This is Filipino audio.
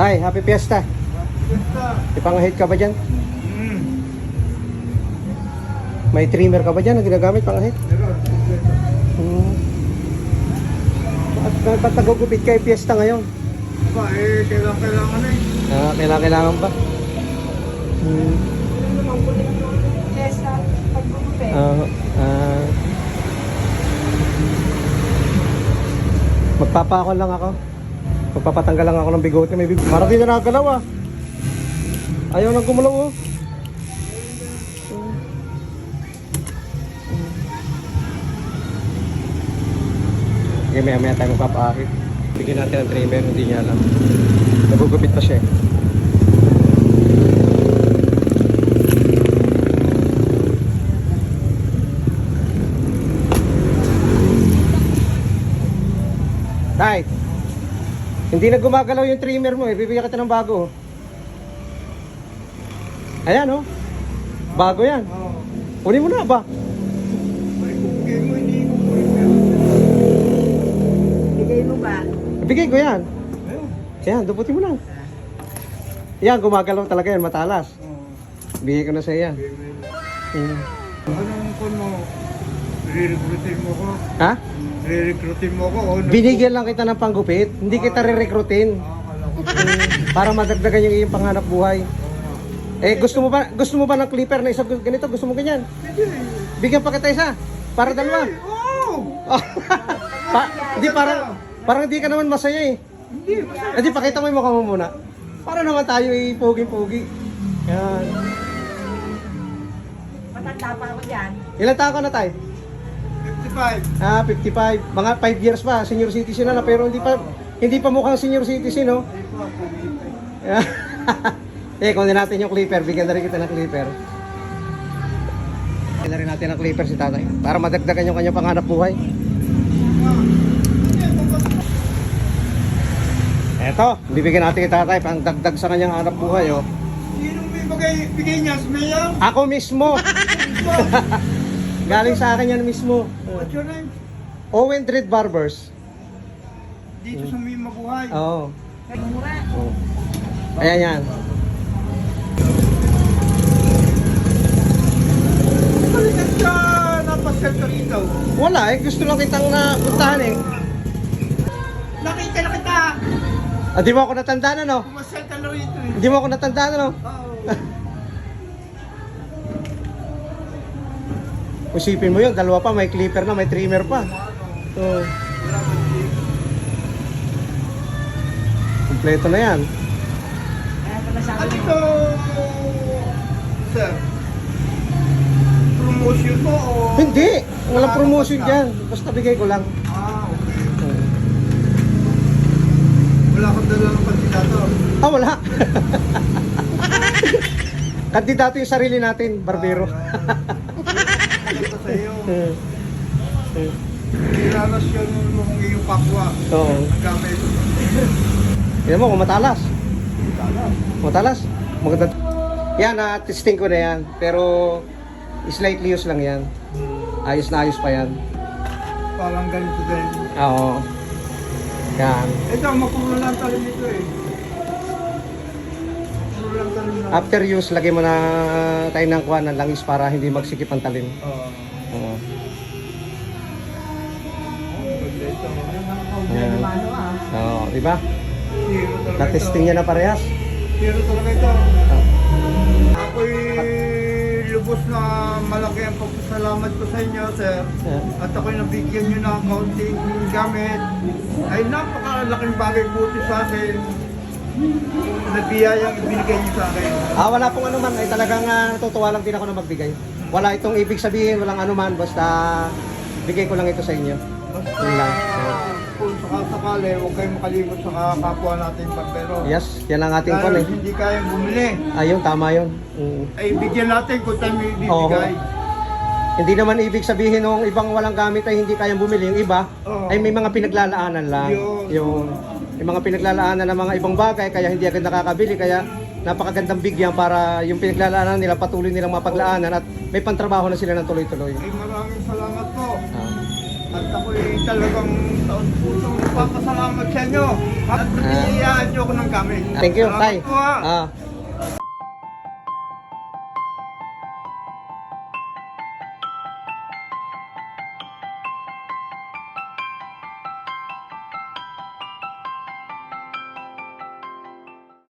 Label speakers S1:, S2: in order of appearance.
S1: Hi, happy fiesta. Ipangahit ka ba dyan? May trimmer ka ba dyan na ginagamit pangahit? Ba't nagugupit kayo fiesta ngayon?
S2: Ba, kailangan na eh.
S1: Kailangan ba?
S3: Fiesta, paggugupit.
S1: Magpapakon lang ako. Magpapatanggal lang ako ng bigote. May bigote. Marami na nakagalaw ah. Ayaw nang gumalaw oh. Sige, maya tayo magpapaakit. Bigyan natin ng trimmer, hindi niya alam. Nagugupit pa siya eh. Tay, hindi na gumagalaw yung trimmer mo eh. Bibigyan kita ng bago. Ayan oh. Bago yan. Kunin mo na ba?
S2: Ibigay mo, hindi ko po
S3: Bigay mo ba?
S1: Ibigay ko yan.
S2: Ayun.
S1: Yan, duputin mo lang. Yan, gumagalaw talaga yan, matalas. Bigay ko na sa yan.
S2: Anong kun mo? Re-recruitin mo ko?
S1: Ha?
S2: Re-recruitin mo ko?
S1: Binigyan lang kita ng panggupit. Hindi kita re-recruitin. Para madagdagan yung iyong panghanap buhay. Eh, gusto mo ba ng clipper na isa ganito? Gusto mo ganyan? Bigyan pa kita isa. Para dalawa.
S2: Oo!
S1: Hindi, parang hindi ka naman masaya eh. Hindi, pakita mo yung mukha mo muna. Para naman tayo pogi-pogi. Yan.
S3: Matanda pa ako dyan.
S1: Ilan taon ka na tayo?
S2: 55.
S1: 55. Mga 5 years pa, senior citizen na pero hindi pa mukhang senior citizen, no? Kunin natin yung clipper, bigyan na rin kita ng clipper. Bigyan na rin natin ng clipper si tatay para madagdagan yung kanyang panghanap buhay. Eto, bibigyan natin kay tatay pang dagdag sa kanyang hanap buhay, oh.
S2: Sinong bigay niya? Si Mayor?
S1: Ako mismo. Galing sa akin yan mismo.
S2: What's your name?
S1: Owen Dread Barbers.
S2: Dito sa may mabuhay.
S1: Oo.
S3: Mura.
S1: Ayan yan.
S2: Balikat ka! Napasel ka rito.
S1: Wala eh, gusto lang kitang napuntahan eh.
S2: Nakita na kita!
S1: Di mo ako natandaan ano?
S2: Pumasel ka na rito eh.
S1: Di mo ako natandaan ano?
S2: Oo.
S1: Isipin mo yun, dalawa pa, may clipper na, may trimmer pa. So, kompleto na yan.
S3: Kaya pala sa
S2: Ano
S3: akin.
S2: ito? Sir? Promotion mo o?
S1: Hindi, walang promotion dyan. Basta bigay ko lang.
S2: Okay. Wala kang dala ng kandidato.
S1: Wala. Kandidato yung sarili natin, barbero.
S2: Ito sa iyo. Nilalasyon mo kung iyong kapwa.
S1: Oo.
S2: Ang gamit.
S1: Yan mo, kung matalas. Matalas. Maganda. Yan, testing ko na yan. Pero, slightly use lang yan. Ayos na ayos pa yan.
S2: Parang ganito din.
S1: Oo. Yan.
S2: Ito, mapuno lang talim nito eh. Mapuno lang talim na.
S1: After use, lagay mo na tayo ng kuha ng langis para hindi magsikip ang talim. Oo.
S2: Ganda ito.
S1: Ayan.
S3: Ano ah.
S1: Oo, di ba?
S2: Hero talaga ito.
S1: Na-testing niya na parehas.
S2: Hero talaga ito.
S1: Oo.
S2: Ako'y lubos na malaki ang pagpasalamat ko sa inyo, sir.
S1: Ayan.
S2: At ako'y nabigyan nyo ng kaunting gamit. Ay napakalaking bagay buti sa akin. Nabiyayang ibinigay nyo sa akin.
S1: Wala pong ano man. Ay talagang natutuwa lang din ako na magbigay. Wala itong ibig sabihin, walang ano man. Basta bigay ko lang ito sa inyo.
S2: Basta
S1: Yun lang.
S2: kung sakasakali, huwag kayong makalimot sa kapwa natin barbero.
S1: Yes, yan ang ating
S2: Dahil
S1: kon eh.
S2: hindi kayang bumili,
S1: Ayun, tama yun.
S2: ay bigyan natin kung tayo may ibibigay.
S1: Hindi naman ibig sabihin nung ibang walang gamit ay hindi kayang bumili. Yung iba
S2: Oo.
S1: ay may mga pinaglalaanan lang.
S2: Yun.
S1: Yung mga pinaglalaanan ng mga ibang bagay kaya hindi agad nakakabili. Kaya napakagandang bigyan para yung pinaglalaanan nila patuloy nilang mapaglaanan at may pantrabaho na sila ng tuloy-tuloy.
S2: Ay maraming salamat po.
S1: Ah.
S2: At ako'y talagang taon pusong papasalamat sa inyo. At piniyayaan niyo ako ng gamit.
S1: Thank you,
S2: Salamat
S1: Tay.
S2: po, ha.
S1: Ah,